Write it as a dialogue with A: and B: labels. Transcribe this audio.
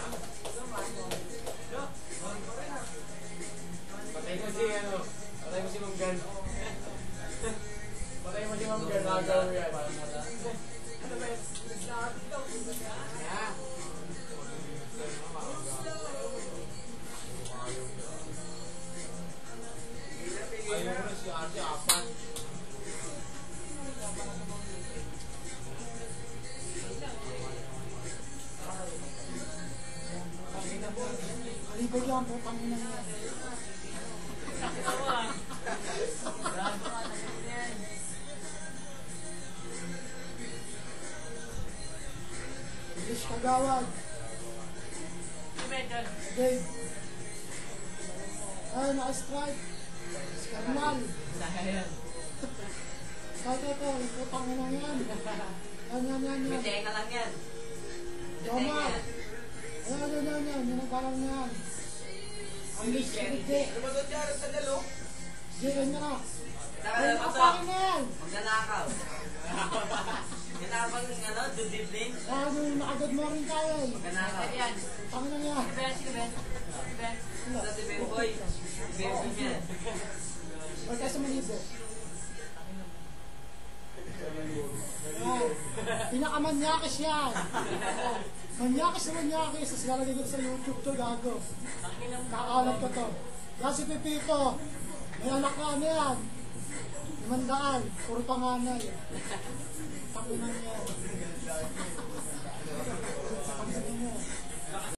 A: Patay mo si ano, patay mo si Ma'am Gan. Patay mo si Ma'am Gan, nagaw mo yan. Ano ba yun? Ayaw mo na si Ate Apan.
B: Alibay lang po kami na yan. English Kagawad. Dave. Ay, naka-strike. Skarnal. Strike ito, iputang mo lang yan. Yan.
C: May teka lang yan.
B: Joma. Yan. Yan ang parang yan. Ang list ko dito.
A: Ano ba doon dyan sa dalo?
B: Yan na. Ay,
C: Nakalapas
B: nakapakin na yan.
C: Magnanakaw. Ganapang ano, dudibling.
B: Nakagod mo rin tayo eh.
C: Magnanakaw.
B: Pangin na yan.
C: Sa si Bemboy. Si Bemboy yan.
B: Huwag tayo sa Manibo. Pinakamanyakis yan. Manyakis. Tapos lalagay ko sa YouTube to, gago. Kakalat ko to. Yan si Pipito. May anak ka na yan. 500. Puro panganay. Takinan yan.